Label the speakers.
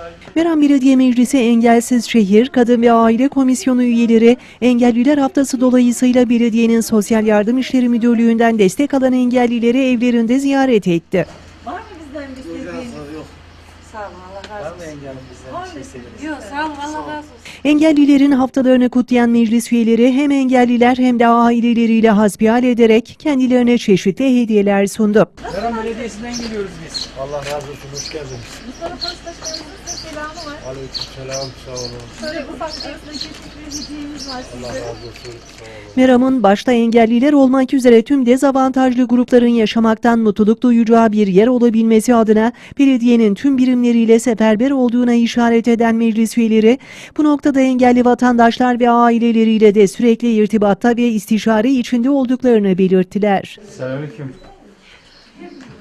Speaker 1: Meram Belediye Meclisi Engelsiz Şehir Kadın ve Aile Komisyonu üyeleri Engelliler Haftası dolayısıyla belediyenin Sosyal Yardım İşleri Müdürlüğü'nden destek alan engellileri evlerinde ziyaret etti.
Speaker 2: Var mı bizden bir şey?
Speaker 3: Yok.
Speaker 2: Sağ olun, Allah razı olsun.
Speaker 3: Var mı engelli bizden bir şey istediniz?
Speaker 2: Yok, sağ olun, Allah razı olsun.
Speaker 1: Engellilerin haftalarını kutlayan meclis üyeleri hem engelliler hem de aileleriyle hasbihal ederek kendilerine çeşitli hediyeler sundu.
Speaker 3: Meram Belediyesi'nden geliyoruz biz. Allah razı olsun, hoş geldiniz.
Speaker 2: Mustafa Postaşlarımızın selamı var.
Speaker 3: Aleykümselam, sağ olun.
Speaker 2: Şöyle ufak bir teşekkür hediyemiz var
Speaker 3: Allah
Speaker 2: size.
Speaker 3: razı olsun, sağ olun.
Speaker 1: Meram'ın başta engelliler olmak üzere tüm dezavantajlı grupların yaşamaktan mutluluk duyacağı bir yer olabilmesi adına belediyenin tüm birimleriyle seferber olduğuna işaret eden meclis üyeleri, bu noktada engelli vatandaşlar ve aileleriyle de sürekli irtibatta ve istişare içinde olduklarını belirttiler.
Speaker 3: Selamünaleyküm.